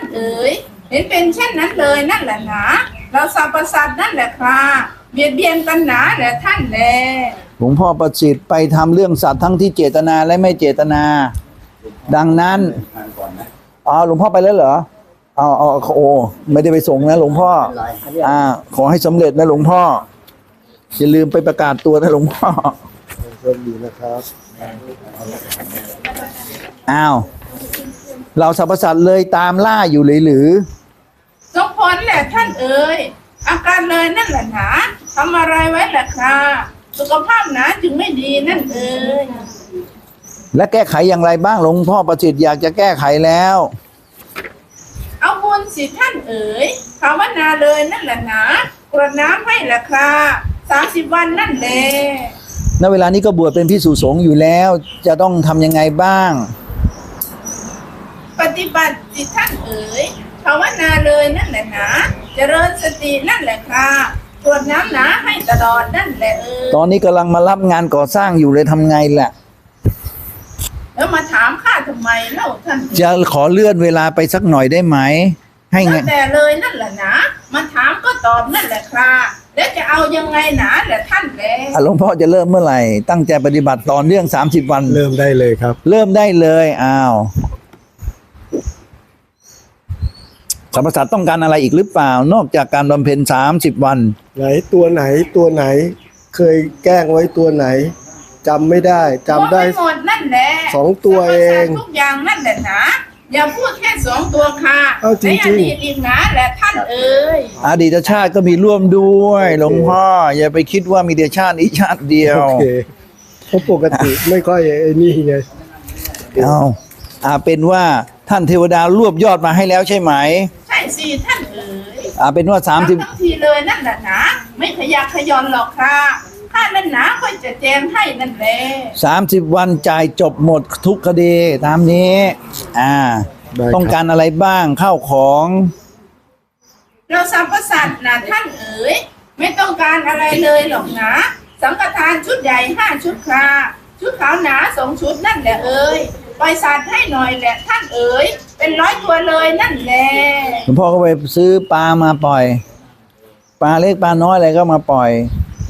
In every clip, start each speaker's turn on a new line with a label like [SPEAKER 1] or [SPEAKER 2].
[SPEAKER 1] เอ๋ยเห็นเป็นเช่นนั้นเลยนั่นแหละหนาเราสรรพสัตว์นั่นแหละครับเบียดเบียนกันหนาแหละท่านแล
[SPEAKER 2] หลวงพ่อประสิทธิ์ไปทำเรื่องสัตว์ทั้งที่เจตนาและไม่เจตนา ดังนั้นหลวงพ่อไปแล้วเหรอโอ้ไม่ได้ไปส่งนะหลวงพ่อขอให้สำเร็จนะหลวงพ่ออย่าลืมไปประกาศตัวนะหลวงพ่อ
[SPEAKER 3] โชคดีนะครับ
[SPEAKER 2] เราสรรพสัตว์เลยตามล่าอยู่เลยหรือ
[SPEAKER 1] สมผลแหละท่านเอ๋ยอาการเลยนั่นแหละหนาทำอะไรไว้แหละครับสุขภาพหนาจึงไม่ดีนั่นเอ๋ย
[SPEAKER 2] และแก้ไขอย่างไรบ้างหลวงพ่อประสิทธิ์อยากจะแก้ไขแล้ว
[SPEAKER 1] เอาบุญสิท่านเอ๋ยภาวนาเลยนั่นแหละหนากรวดน้ำให้แหละครับ30 วันนั่นแหละ
[SPEAKER 2] ณเวลานี้ก็บวชเป็นภิกษุสงฆ์อยู่แล้วจะต้องทำยังไงบ้าง
[SPEAKER 1] ปฏิบัติสิท่านเอ๋ยภาวนาเลยนั่นแหละหนาเจริญสตินั่นแหละครับกรวดน้ำหนาให้ตลอดนั่นแหละเอ๋ย
[SPEAKER 2] ตอนนี้กำลังมารับงานก่อสร้างอยู่เลยทำไงล่ะ
[SPEAKER 1] แล้วมาถามข้าทำไมเล่าท่าน
[SPEAKER 2] จะขอเลื่อนเวลาไปสักหน่อยได้ไหมให้ไง
[SPEAKER 1] แต่เลยนั่นแหละนะมาถามก็ตอบนั่นแหละครับแล้วจะเอายังไงหนาแหละท่านแล
[SPEAKER 2] หลวงพ่อจะเริ่มเมื่อไหร่ตั้งใจปฏิบัติต่อเนื่อง30 วัน
[SPEAKER 3] เริ่มได้เลยครับ
[SPEAKER 2] เริ่มได้เลยสรรพสัตว์ต้องการอะไรอีกหรือเปล่านอกจากการบำเพ็ญ30 วัน
[SPEAKER 3] ไหนตัวไหนเคยแกล้งไว้ตัวไหนจำไม่ได้จำได้
[SPEAKER 1] หมดนั่นแหละ
[SPEAKER 3] 2 ตัวเอง
[SPEAKER 1] ทุกอย่างนั่นแหละนะอย่าพูดแค่2 ตัวค่ะ
[SPEAKER 3] จริงๆ
[SPEAKER 1] ในอดีตอีกนะแหละท่านเอ๋ย
[SPEAKER 2] อดีตชาติก็มีร่วมด้วยหลวงพ่ออย่าไปคิดว่ามีแต่ชาตินี้ชาติเดียว
[SPEAKER 3] โอเคเพราะปกติไม่ค่อยนี่ไง
[SPEAKER 2] เป็นว่าท่านเทวดารวบยอดมาให้แล้วใช่ไหม
[SPEAKER 1] ใช่สิท่านเอ๋ย
[SPEAKER 2] เป็นว่า
[SPEAKER 1] 30 ทีเลยนั่นแหละนะไม่ขยักขยอนหรอกค่ะข้านั่นนะค่อยจะแจงให้นั่นแหละ
[SPEAKER 2] 30 วันจ่ายจบหมดทุกคดีตามนี้ต้องการอะไรบ้างข้าวของ
[SPEAKER 1] เราสรรพสัตว์นะท่านเอ๋ยไม่ต้องการอะไรเลยหรอกนะสังฆทานชุดใหญ่5 ชุดค่ะชุดขาวหนา2 ชุดนั่นแหละเอ๋ยปล่อยสัตว์ให้หน่อยแหละท่านเอ๋ยเป็น100 ตัวเลยนั่นแหละ
[SPEAKER 2] หลวงพ่อก็ไปซื้อปลามาปล่อยปลาเล็กปลาน้อยอะไรก็มาปล่อย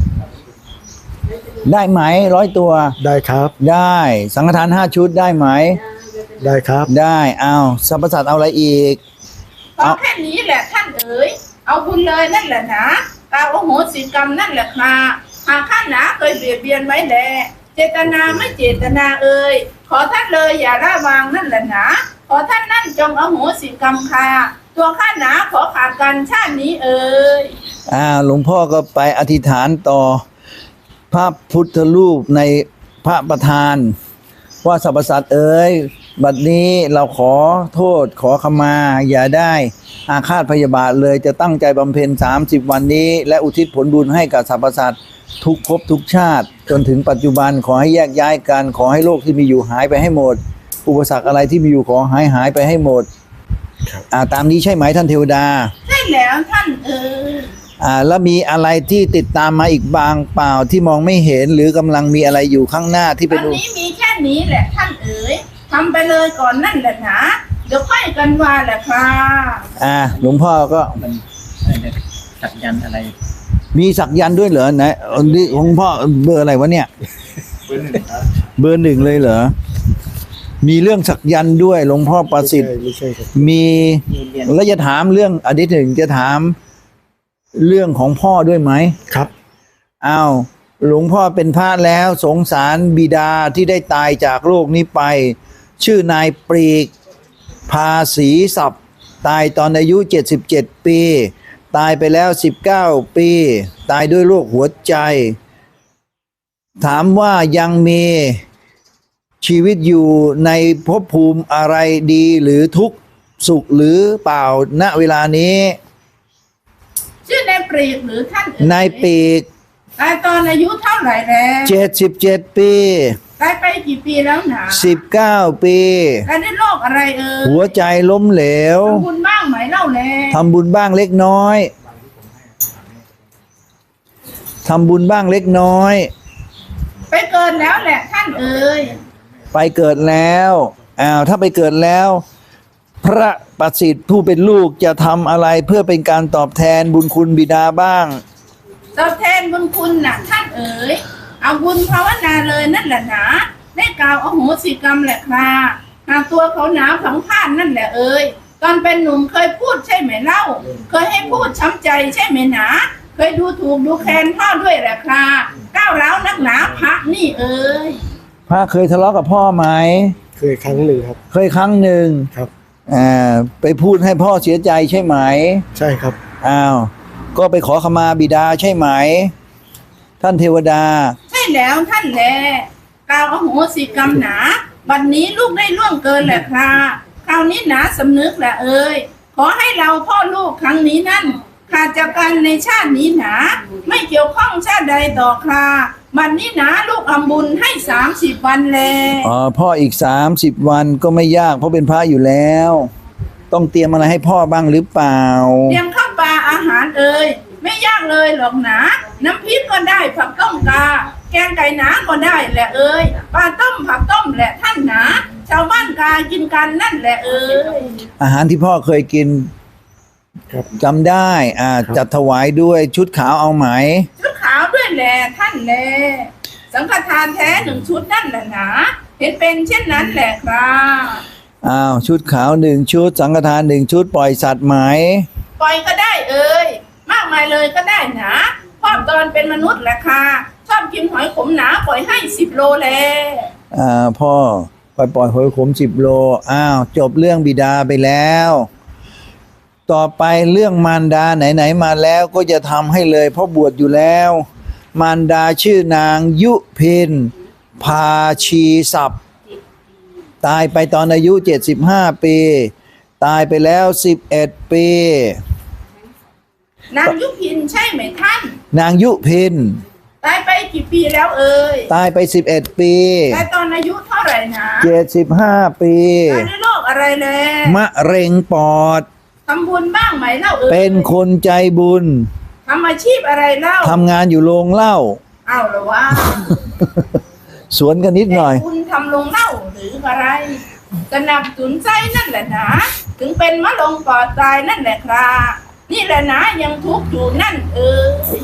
[SPEAKER 2] ได้ไหม100 ตัว
[SPEAKER 3] ได้ครับ
[SPEAKER 2] ได้สังฆทาน5 ชุดได้ไหม
[SPEAKER 3] ได้ครับ
[SPEAKER 2] ได้สรรพสัตว์เอาอะไรอีก
[SPEAKER 1] เอาแค่นี้แหละท่านเอ๋ยเอาบุญเลยนั่นแหละนะกาโอโหสิกรรมนั่นแหละค่ะหากข้าหนาเคยเบียดเบียนไว้แลเจตนาไม่เจตนาเอ๋ยขอท่านเลยอย่าละวางนั่นแหละนะขอท่านนั่นจงอโหสิกรรมค่ะตัวข้าหนาขอขาดกันชาตินี้เอ๋ย
[SPEAKER 2] หลวงพ่อก็ไปอธิษฐานต่อพระพุทธรูปในพระประธานว่าสรรพสัตว์เอ๋ยบัดนี้เราขอโทษขอขมาอย่าได้อาฆาตพยาบาทเลยจะตั้งใจบำเพ็ญ30 วันนี้และอุทิศผลบุญให้กับสรรพสัตว์ทุกภพทุกชาติจนถึงปัจจุบันขอให้แยกย้ายกันขอให้โลกที่มีอยู่หายไปให้หมดอุปสรรคอะไรที่มีอยู่ขอหายไปให้หมดตามนี้ใช่ไหมท่านเทวดา
[SPEAKER 1] ใช่แล้วท่าน
[SPEAKER 2] แล้วมีอะไรที่ติดตามมาอีกบางเปล่าที่มองไม่เห็นหรือกำลังมีอะไรอยู่ข้างหน้าที่เป็น
[SPEAKER 1] ตอนนี้มีแค่นี้แหละท่านเอ๋ยทำไปเลยก่อนนั่นแหละนะเดี๋ยวค่อยกันว่าแหละค่ะ
[SPEAKER 2] หลวงพ่อก็
[SPEAKER 4] สักยันอะไร
[SPEAKER 2] มีสักยันด้วยเหรอไหนนี่หลวงพ่อเบอร์อะไรวะเนี่ยเบอร์ 1เลยเหรอมีเรื่องสักยันด้วยหลวงพ่อประสิทธิ์มีแล้วจะถามเรื่องอดีตหนึ่งจะถามเรื่องของพ่อด้วยไหม
[SPEAKER 3] ครับ
[SPEAKER 2] หลวงพ่อเป็นพระแล้วสงสารบิดาที่ได้ตายจากโลกนี้ไปชื่อนายปรีกภาษีศัพท์ตายตอนอายุ77 ปีตายไปแล้ว19 ปีตายด้วยโรคหัวใจถามว่ายังมีชีวิตอยู่ในภพภูมิอะไรดีหรือทุกข์สุขหรือเปล่าณเวลานี้
[SPEAKER 1] ชื่อนายปรีกหรือท่าน
[SPEAKER 2] นายปรีก
[SPEAKER 1] ตายตอนอายุเท่าไหร่แล้ว
[SPEAKER 2] 77 ปี
[SPEAKER 1] ตายไปกี่ปีแล้วหนา
[SPEAKER 2] 19 ปี
[SPEAKER 1] ตายด้วยโรคอะไร
[SPEAKER 2] หัวใจล้มเหลว
[SPEAKER 1] ทำบุญบ้างไหมเล่าแล
[SPEAKER 2] ทำบุญบ้างเล็กน้อยทำบุญบ้างเล็กน้อย
[SPEAKER 1] ไปเกิดแล้วแหละท่านเอ๋ย
[SPEAKER 2] ไปเกิดแล้วถ้าไปเกิดแล้วพระประสิทธิ์ผู้เป็นลูกจะทำอะไรเพื่อเป็นการตอบแทนบุญคุณบิดาบ้าง
[SPEAKER 1] ตอบแทนบุญคุณน่ะท่านเอ๋ยเอาบุญภาวนาเลยนั่นแหละหนาได้กล่าวอโหสิกรรมแหละคราหากตัวเขาหนาผังพานนั่นแหละเอ๋ยตอนเป็นหนุ่มเคยพูดใช่ไหมเล่าเคยให้พูดช้ำใจใช่ไหมหนาเคยดูถูกดูแคลนพ่อด้วยแหละคราก้าวร้าวนักหนาพระนี่เอ๋ย
[SPEAKER 2] พระเคยทะเลาะกับพ่อไหม
[SPEAKER 3] เคยครั้งหนึ่งครับ
[SPEAKER 2] เคยครั้งหนึ่ง
[SPEAKER 3] ครับ
[SPEAKER 2] ไปพูดให้พ่อเสียใจใช่ไหม
[SPEAKER 3] ใช่ครับ
[SPEAKER 2] อ้าวก็ไปขอขมาบิดาใช่ไหม ท่านเทวดา
[SPEAKER 1] ใช่แล้วท่านแลกล่าวอโหสิกรรมหนาบัดนี้ลูกได้ล่วงเกินแหละคราคราวนี้หนาสำนึกแหละเอ่ยขอให้เราพ่อลูกครั้งนี้นั่นขาดจากกันในชาตินี้หนาไม่เกี่ยวข้องชาติใดต่อคราบัดนี้หนาลูกอำบุญให้30 วันแล
[SPEAKER 2] พ่ออีก30 วันก็ไม่ยากเพราะเป็นพระอยู่แล้ว ต้องเตรียมอะไรให้พ่อบ้างหรือเปล่า
[SPEAKER 1] เตรียมข้าวปลาอาหารเอ่ยไม่ยากเลยหรอกหนาน้ำพริกก็ได้ผักต้มกาแกงไก่หนาก็ได้แหละเอ่ยปลาต้มผักต้มแหละท่านหนาชาวบ้านกากินกันนั่นแหละเอ่ย
[SPEAKER 2] อาหารที่พ่อเคยกิน
[SPEAKER 3] ครับ
[SPEAKER 2] จำได้จัดถวายด้วยชุดขาวเอาไหม
[SPEAKER 1] ชุดขาวด้วยแหละท่านแลสังฆทานแท้1 ชุดนั่นแหละหนาเห็นเป็นเช่นนั้นแหละครับ
[SPEAKER 2] ชุดขาว1 ชุดสังฆทาน1 ชุดปล่อยสัตว์ไหม
[SPEAKER 1] ปล่อยก็ได้เอ่ยมากมายเลยก็ได้หนาพอตอนเป็นมนุษย์แหละค่ะชอบกินหอยขมหนาปล่อยให้10 โลแล
[SPEAKER 2] พ่อปล่อยหอยขม10 โลจบเรื่องบิดาไปแล้ว ต่อไปเรื่องมารดาไหนๆมาแล้วก็จะทำให้เลยเพราะบวชอยู่แล้ว มารดาชื่อนางยุพินพาชีศัพท์ตายไปตอนอายุ75 ปี ตายไปแล้ว11 ปี
[SPEAKER 1] นางยุพินใช่ไหมท่าน
[SPEAKER 2] นางยุพิน
[SPEAKER 1] ตายไปกี่ปีแล้วเอ่ย
[SPEAKER 2] ตายไป11 ปี
[SPEAKER 1] ตายตอนอายุเท่าไหร่นะ
[SPEAKER 2] 75 ปี
[SPEAKER 1] ตายด้วยโรคอะไรแล
[SPEAKER 2] มะเร็งปอด
[SPEAKER 1] ทำบุญบ้างไหมเล่าเอ่ย
[SPEAKER 2] เป็นคนใจบุญ
[SPEAKER 1] ทำอาชีพอะไรเล่า
[SPEAKER 2] ทำงานอยู่โรงเหล้า
[SPEAKER 1] เอาเหรอวะ
[SPEAKER 2] สวนกันนิดหน่อย
[SPEAKER 1] แต่คุณทำลงเหล้าหรืออะไรสนับสนุนใจนั่นแหละนะถึงเป็นมะลงปอดตายนั่นแหละครับนี่แหละนะยังทุกข์อยู่นั่นเอ่ย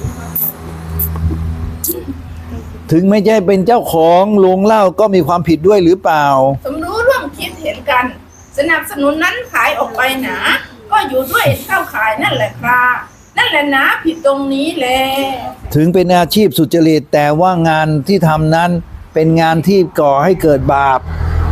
[SPEAKER 2] ถึงไม่ใช่เป็นเจ้าของโรงเหล้าก็มีความผิดด้วยหรือเปล่า
[SPEAKER 1] สมรู้ร่วมคิดเห็นกัน สนับสนุนนั้นขายออกไปหนาก็อยู่ด้วยเข้าขายนั่นแหละครับนั่นแหละนะผิดตรงนี้แหละ
[SPEAKER 2] ถึงเป็นอาชีพสุจริตแต่ว่างานที่ทำนั้นเป็นงานที่ก่อให้เกิดบาป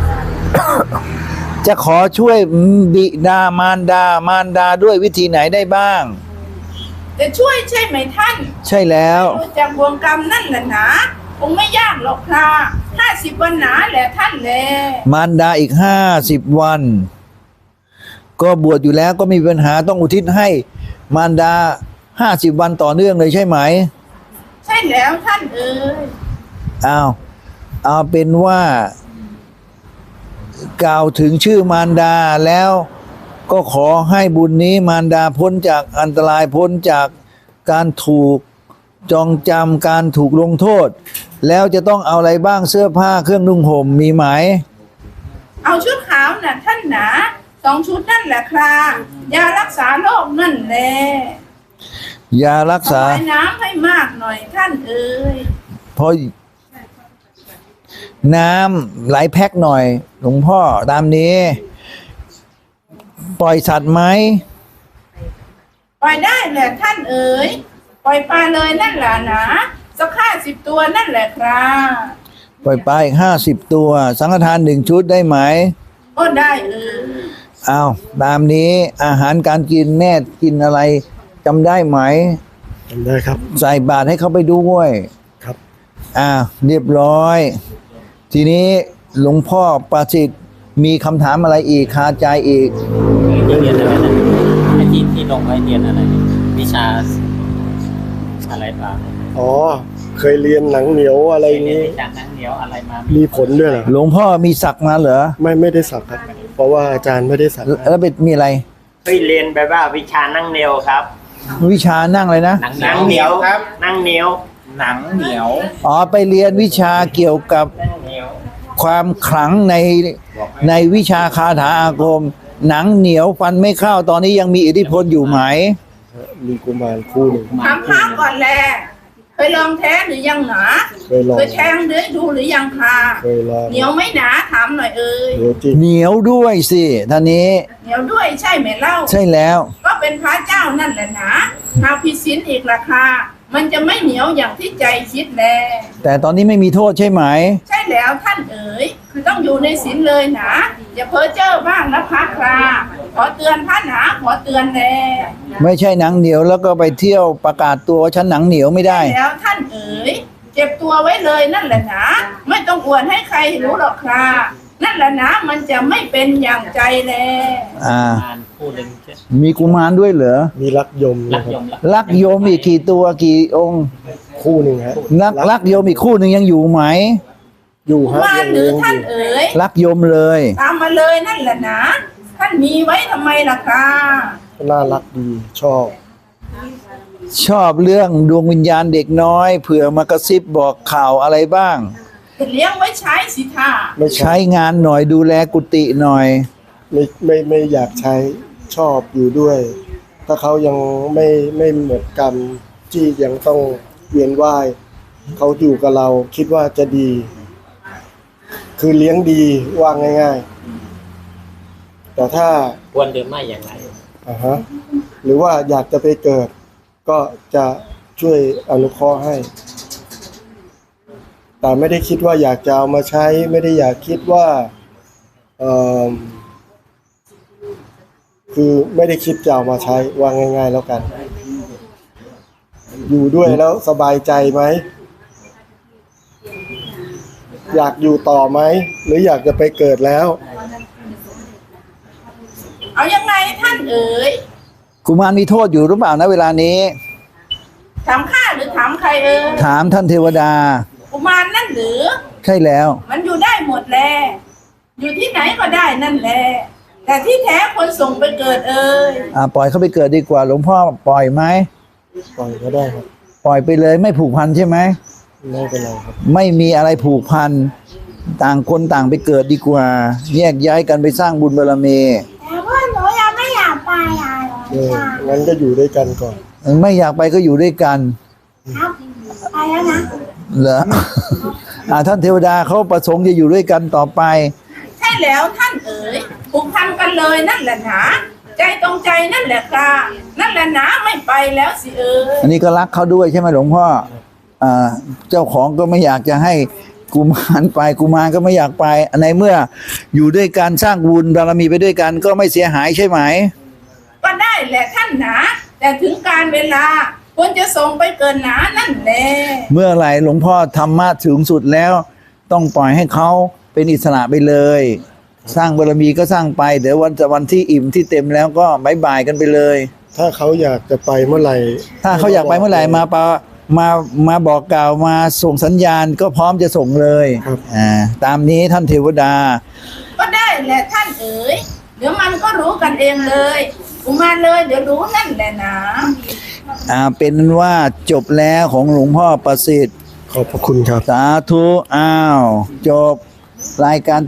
[SPEAKER 2] จะขอช่วยบิดามารดาด้วยวิธีไหนได้บ้าง
[SPEAKER 1] จะช่วยใช่ไหมท่าน
[SPEAKER 2] ใช่แล้ว
[SPEAKER 1] รู้จากวงกรรมนั่นแหละนะคงไม่ยากหรอกครับ50 วันหนาแหละท่านแล
[SPEAKER 2] มารดาอีก50 วัน ก็บวชอยู่แล้วก็มีปัญหาต้องอุทิศให้มารดา50 วันต่อเนื่องเลยใช่ไหม
[SPEAKER 1] ใช่แล้วท่านเอ๋ย
[SPEAKER 2] เอาเป็นว่ากล่าวถึงชื่อมารดาแล้วก็ขอให้บุญนี้มารดาพ้นจากอันตรายพ้นจากการถูกจองจำการถูกลงโทษ แล้วจะต้องเอาอะไรบ้างเสื้อผ้าเครื่องนุ่งห่มมีไหม
[SPEAKER 1] เอาชุดขาวน่ะท่านหนา2 ชุดนั่นแหละครับยารักษาโรคนั่นแหละ
[SPEAKER 2] ยารักษา
[SPEAKER 1] ถวายน้ำให้มากหน่อยท่านเอ๋ย
[SPEAKER 2] เพราะน้ำไหลแพ็คหน่อยหลวงพ่อตามนี้ ปล่อยสัตว์ไหม
[SPEAKER 1] ปล่อยได้แหละท่านเอ๋ยปล่อยปลาเลยนั่นแหละนะสัก50 ตัวนั่นแหละครับ
[SPEAKER 2] ปล่อยไปอีก50 ตัว สังฆทาน1 ชุดได้ไหม
[SPEAKER 1] ก็ได้เอ๋ย
[SPEAKER 2] เอาตามนี้อาหารการกินแม่กินอะไรจำได้ไหม
[SPEAKER 3] จำได้ครับ
[SPEAKER 2] ใส่บาตรให้เขาไปด้วย
[SPEAKER 3] ครับ
[SPEAKER 2] เรียบร้อย ทีนี้หลวงพ่อประสิทธิ์มีคำถามอะไรอีกคาใจอีก
[SPEAKER 4] เรียนอะไรนะไอ้ที่ลงไว้เรียนอะไร วิชาอะไรบ้าง
[SPEAKER 3] อ๋อ เคยเรียนหนังเหนียวอะไร
[SPEAKER 4] เรียน
[SPEAKER 3] นี้
[SPEAKER 4] วิชาหนังเหนียวอะไรมา
[SPEAKER 3] มีผลด้วยเหรอ
[SPEAKER 2] หลวงพ่อมีศักดิ์มาเหรอ
[SPEAKER 3] ไม่ได้สักครับ เพราะว่าอาจารย์ไม่ได้สัก
[SPEAKER 2] แล้วเป็นมีอะไร
[SPEAKER 5] เคยเรียนแบบว่าวิชานั่งเหนียวครับ
[SPEAKER 2] วิชานั่งเลยนะ
[SPEAKER 4] หนังเหนียวครับ
[SPEAKER 5] นั่งเหนียว
[SPEAKER 4] หนังเหนียว
[SPEAKER 2] ไปเรียนวิชาเกี่ยวกับ
[SPEAKER 5] นั่งเหนียว
[SPEAKER 2] ความขลังในวิชาคาถาอาคมหนังเหนียวฟันไม่เข้าตอนนี้ยังมีอิทธิพลอยู่ไหม
[SPEAKER 3] มีกุมารคู่หนึ่ง
[SPEAKER 1] ถามพระก่อนแลเคยลองแท้หรือยังหนา
[SPEAKER 3] เคยลอง
[SPEAKER 1] เคยแทงหรือดูหรือยังคะ
[SPEAKER 3] เคยลอง
[SPEAKER 1] เหนียวไหม่หนาถามหน่อยเอ่ย
[SPEAKER 3] เดี๋ยวจริง
[SPEAKER 2] เหนียวด้วยสิท่านนี้
[SPEAKER 1] เหนียวด้วยใช่ไหมเล่า
[SPEAKER 2] ใช่แล้ว
[SPEAKER 1] ก็เป็นพระเจ้านั่นแหละนะหากผิดศีลอีกราคามันจะไม่เหนียวอย่างที่ใจคิดแล
[SPEAKER 2] แต่ตอนนี้ไม่มีโทษใช่ไหม
[SPEAKER 1] ใช่แล้วท่านเอ๋ยคือต้องอยู่ในศีลเลยนะอย่าเพ้อเจ้อบ้างนะพระคราขอเตือนพระหนาขอเตือนแล
[SPEAKER 2] ไม่ใช่หนังเหนียวแล้วก็ไปเที่ยวประกาศตัวว่าฉันหนังเหนียวไม่ได้
[SPEAKER 1] แล้วท่านเอ๋ยเจ็บตัวไว้เลยนั่นแหละนะไม่ต้องอวดให้ใครรู้หรอกครานั่นแหละนะมันจะไม่เป็นอย่างใจแล
[SPEAKER 4] งานคู่หนึ่งใช่
[SPEAKER 2] มีกุมารด้วยเหรอ
[SPEAKER 3] มีรักยม
[SPEAKER 4] รั
[SPEAKER 3] นะ
[SPEAKER 4] ก
[SPEAKER 3] ค
[SPEAKER 4] ย
[SPEAKER 3] รับ
[SPEAKER 4] มรัก
[SPEAKER 2] ลักโยมอีกกี่ตัวกี่องค์
[SPEAKER 3] คู่หนึ่งฮะ
[SPEAKER 2] ลักโยมอีกคู่หนึ่งยังอยู่ไหม
[SPEAKER 3] อยู่ฮะ
[SPEAKER 1] ว่า
[SPEAKER 3] ยัง
[SPEAKER 1] หรือ
[SPEAKER 3] เลี้ยงอ
[SPEAKER 1] ท่าน
[SPEAKER 3] ยู่
[SPEAKER 1] เอ๋ย
[SPEAKER 2] ลักโยมเลย
[SPEAKER 1] ตามมาเลยนั่นแหละนะท่านมีไว้ทำไมล่ะครา
[SPEAKER 3] น่ารักดีชอบ
[SPEAKER 2] ชอบเรื่องดวงวิญญาณเด็กน้อยเผื่อมากระซิบบอกข่าวอะไรบ้าง
[SPEAKER 1] จะเลี้ยงไว้ใช้สิท่า
[SPEAKER 3] ไม่ใช่
[SPEAKER 2] ใช้งานหน่อยดูแลกุฏิหน่อย
[SPEAKER 3] ไม่อยากใช้ชอบอยู่ด้วย ถ้าเขายังไม่หมดกรรมที่ยังต้องเวียนว่ายเขาอยู่กับเราคิดว่าจะดี คือเลี้ยงดีว่าง่ายๆ แต่ถ้า
[SPEAKER 4] ควรหรือไม่อย่างไร
[SPEAKER 3] หรือว่าอยากจะไปเกิด ก็จะช่วยอนุเคราะห์ให้ แต่ไม่ได้คิดว่าอยากจะเอามาใช้ ไม่ได้อยากคิดว่าคือไม่ได้คิดจะเอามาใช้ว่าง่าย ๆ แล้วกัน อยู่ด้วยแล้วสบายใจไหม อยากอยู่ต่อไหม หรืออยากจะไปเกิดแล้ว
[SPEAKER 1] เอายังไงท่านเอ๋ย
[SPEAKER 2] กุมารมีโทษอยู่หรือเปล่านะเวลานี้
[SPEAKER 1] ถามข้าหรือถามใครเอ๋ย
[SPEAKER 2] ถามท่านเทวดา
[SPEAKER 1] กุมารนั่นหรือ
[SPEAKER 2] ใช่แล้ว
[SPEAKER 1] มันอยู่ได้หมดแลอยู่ที่ไหนก็ได้นั่นแหละแต่ที่แท้คนส่งไปเกิดเอ่ย
[SPEAKER 2] ปล่อยเขาไปเกิดดีกว่าหลวงพ่อปล่อยไหม
[SPEAKER 3] ปล่อยก็ได้ครับ
[SPEAKER 2] ปล่อยไปเลยไม่ผูกพันใช่ไหม
[SPEAKER 3] ไม่เป็นไรครับ
[SPEAKER 2] ไม่มีอะไรผูกพันต่างคนต่างไปเกิดดีกว่า แยกย้ายกันไปสร้างบุญบารมี
[SPEAKER 6] แต่ว่าหนูยังไม่อยากไปอ่ะหลวงตา
[SPEAKER 3] งั้นก็อยู่ด้วยกันก่อน
[SPEAKER 2] ไม่อยากไปก็อยู่ด้วยกัน
[SPEAKER 6] ครับไปแล้วนะ
[SPEAKER 2] เหรอ ท่านเทวดาเขาประสงค์จะอยู่ด้วยกันต่อไป
[SPEAKER 1] ใช่แล้วท่านเอ๋ยผูกพันกันเลยนั่นแหละหนาใจตรงใจนั่นแหละค่ะนั่นแหละหนาไม่ไปแล้วสิเอ๋ย
[SPEAKER 2] อันนี้ก็รักเขาด้วยใช่ไหมหลวงพ่อเจ้าของก็ไม่อยากจะให้กุมารไปกุมารก็ไม่อยากไปในเมื่ออยู่ด้วยกันสร้างบุญบารมีไปด้วยกันก็ไม่เสียหายใช่ไหม
[SPEAKER 1] ก็ได้แหละท่านหนาแต่ถึงการเวลาควรจะส่งไปเกินหนานั่นแหละ
[SPEAKER 2] เมื่อไหร่หลวงพ่อธรรมะถึงสุดแล้ว ต้องปล่อยให้เขาเป็นอิสระไปเลย สร้างบารมีก็สร้างไปเดี๋ยววันที่อิ่มที่เต็มแล้วก็บายบายกันไปเลย
[SPEAKER 3] ถ้าเขาอยากจะไปเมื่อไหร่
[SPEAKER 2] ถ้าเขาอยากไปเมื่อไหร่มาบอกกล่าวมาส่งสัญญาณก็พร้อมจะส่งเลยตามนี้ท่านเทวดา
[SPEAKER 1] ก็ได้แหละท่านเอ๋ยเดี๋ยวมันก็รู้กันเองเลยกุมารเลยเดี๋ยวรู้นั่นแหละนะ
[SPEAKER 2] เป็นว่าจบแล้วของหลวงพ่อประสิทธิ์
[SPEAKER 3] ขอบพระคุณครับ
[SPEAKER 2] สาธุอ้าวจบรายการ